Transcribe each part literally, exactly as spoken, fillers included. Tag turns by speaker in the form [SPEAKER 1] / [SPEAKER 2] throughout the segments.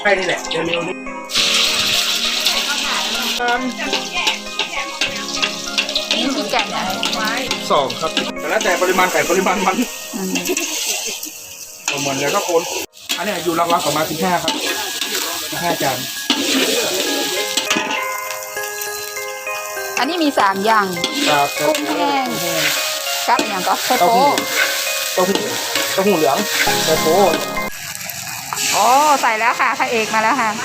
[SPEAKER 1] ช่นี่แหละเร็วๆนี่
[SPEAKER 2] นี่คือแกงอะไรไว้
[SPEAKER 1] สองครับแต่แล้วแต่ปริมาณไก่ปริมาณมันเหมือนกันก็คนอันนี้อยู่รางวัลประมาณสิบห้าครับสิบห้าจาน
[SPEAKER 2] อันนี้มีสามอย่าง
[SPEAKER 1] ครับ
[SPEAKER 2] กุ้งแห้งกับอย่างก็ไข่
[SPEAKER 1] เต้า
[SPEAKER 2] โป๊
[SPEAKER 1] หู้เต้าหู้เต้าหู้เหลืองไข่โป๊
[SPEAKER 2] โอ้ใส่แล้วค่ะพระเอกมาแล้วค่ะ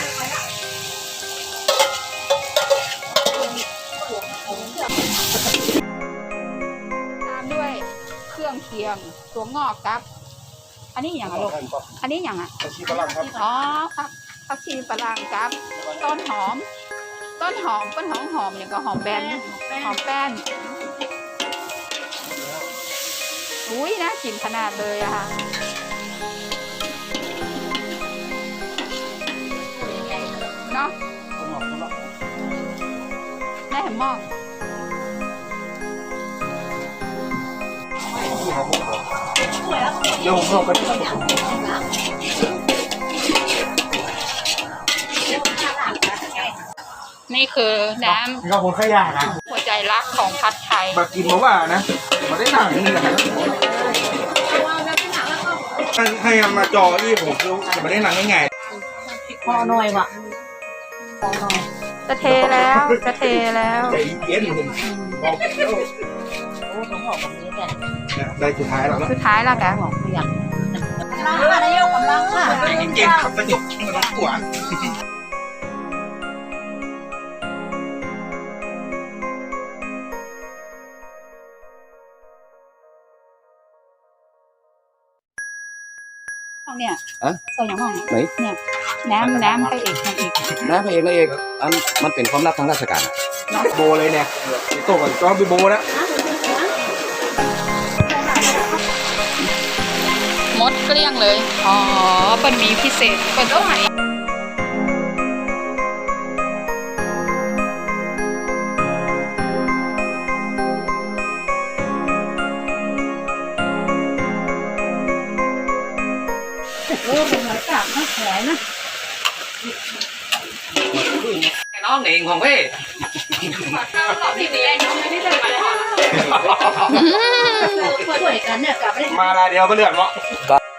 [SPEAKER 2] ตามด้วยเครื่องเคียงตัวงอกครับ อันนี้อย่างไรลูกอันนี้อย่างอ่ะ
[SPEAKER 1] ผักชีฝรั่งครับ
[SPEAKER 2] อ๋อครับผักชีฝรั่งครับต้นหอม ต้นหอมต้นหอมหอมอย่างก็หอมแบนหอมแป้นอุ้ยน่ากินขนาดเลยอะค่ะเนาะแม่เห็นมอง
[SPEAKER 1] เดี๋ยวผมเข้ากัน
[SPEAKER 2] นี่คือน้
[SPEAKER 1] เราคนขยะนะ
[SPEAKER 2] ำหัวใจรักของผัดไทย
[SPEAKER 1] มากินมาว่านะมาได้หนังนี่แหละให้มาจอที่ผมคือจะมาได้หนังง่าย
[SPEAKER 3] พอหน่อยว่ะพอหน่อย
[SPEAKER 2] จะเทแล้วจะเทแล้ว
[SPEAKER 1] ใจเย็นผมบอกแล้ว
[SPEAKER 3] โอ้ต้องบอกแบบนี้แหละ
[SPEAKER 1] ได้สุดท้ายแล้ว
[SPEAKER 2] สุดท้ายแล้วกัน
[SPEAKER 3] บอกไม่อยากกำลังค่ะนายกกำลังค่ะ
[SPEAKER 1] เก่งขับสนุกมันกว่า
[SPEAKER 2] เนี่ยใส่อย่างห้อง
[SPEAKER 4] ไหน
[SPEAKER 2] เนี่ยน้ำน้ำไปเอกทางอีก
[SPEAKER 4] นะพระเอกนางเอกอันมันเป็นความลับทางราชการ
[SPEAKER 1] โบเลยเนี่ยโตก่อนก็ไปโบแล้ว
[SPEAKER 2] มดเกลี้ยงเลย อ๋อเป็นมีพิเศษเป็นเท่าไหร่
[SPEAKER 3] โอ้เป็นหอยกาบนะแผลนะ
[SPEAKER 4] น้องเองของเว้ย
[SPEAKER 2] พี่เลี้ยงไม่ได้เลย
[SPEAKER 3] ช่วยกันเนี่ยกลับไป
[SPEAKER 1] มาลาเดียวก็เลือดเนาะ